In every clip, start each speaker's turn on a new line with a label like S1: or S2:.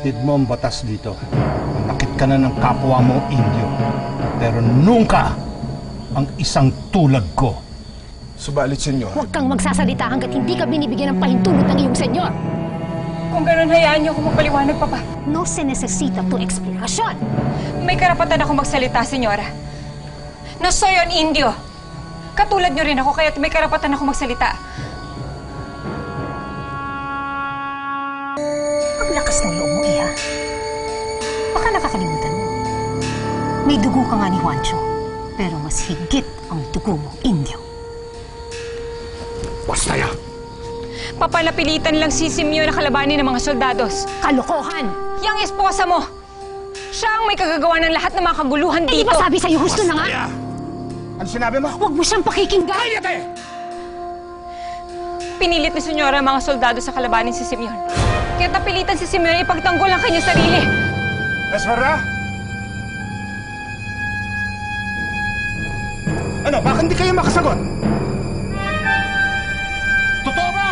S1: Batid mo ang batas dito. Nakit ka na ng kapwa mo, Indio. Pero nunca ang isang tulad ko.
S2: Subalit, senyor.
S3: Huwag kang magsasalita hanggat hindi ka binibigyan ng pahintulot ng iyong senyor.
S4: Kung ganun, hayaan niyo ako magpaliwanag, Papa.
S3: No se necesita tu explikasyon.
S4: May karapatan ako magsalita, senyora. Na soy an Indio. Katulad niyo rin ako, kaya may karapatan ako magsalita.
S3: Ang lakas ng loob mo, Iha. Baka nakakalimutan mo. May dugo ka nga ni Juancho, pero mas higit ang dugo mo, Indio.
S2: Basta yan!
S4: Papalapilitan lang si Simeon na kalabanin ng mga soldados.
S3: Kalokohan!
S4: Yang esposa mo! Siya ang may kagagawa ng lahat ng mga kaguluhan
S3: Hindi
S4: dito.
S3: ba sabi sa'yo, husto na nga?
S1: Ano sinabi mo?
S3: Huwag mo siyang pakikinggan!
S1: Kayate!
S4: Pinilit ni senyora ang mga soldado sa kalabanin si Simeon. Kaya napilitan si Simeon ipagtanggol ang kanyang sarili.
S1: Esmeralda? Ano, bakit hindi kayo makasagot? Totoo ba?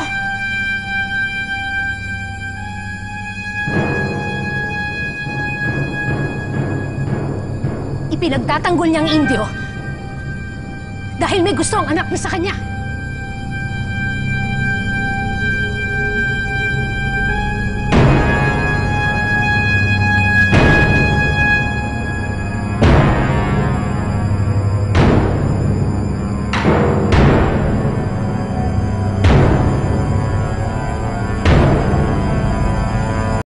S3: Ipinagtatanggol niyang Indio dahil may gusto ang anak niya sa kanya.